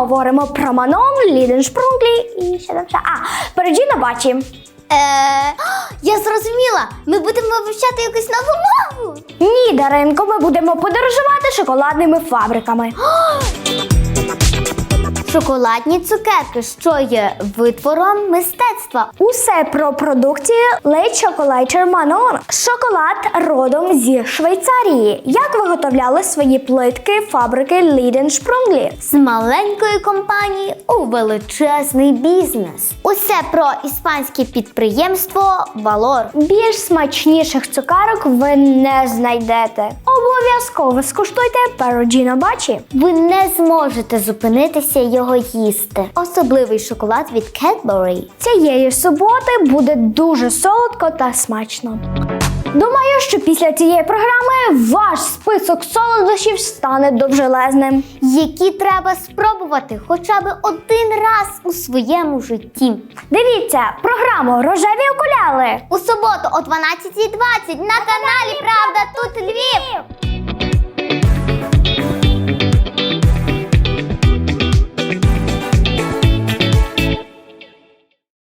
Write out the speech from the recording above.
говоримо про Манон, Ліден Шпрунглі і ще там ще. Переджіно Бачі. Я зрозуміла. Ми будемо вивчати якусь нову мову. Ні, Даринко, ми будемо подорожувати шоколадними фабриками. Шоколадні цукерки, що є витвором мистецтва. Усе про продукцію Late Chocolater Manon. Шоколад родом зі Швейцарії. Як виготовляли свої плитки фабрики Ліден Шпрунглі? З маленької компанії у величезний бізнес. Усе про іспанське підприємство Valor. Більш смачніших цукерок ви не знайдете. Обов'язково скуштуйте Переджіно Бачі. Ви не зможете зупинитися його їсти. Особливий шоколад від Cadbury. Цієї суботи буде дуже солодко та смачно. Думаю, що після цієї програми ваш список солодощів стане довжелезним. Які треба спробувати хоча б один раз у своєму житті. Дивіться програму «Рожеві окуляри» У суботу о 12:20 на каналі «Правда тут Львів».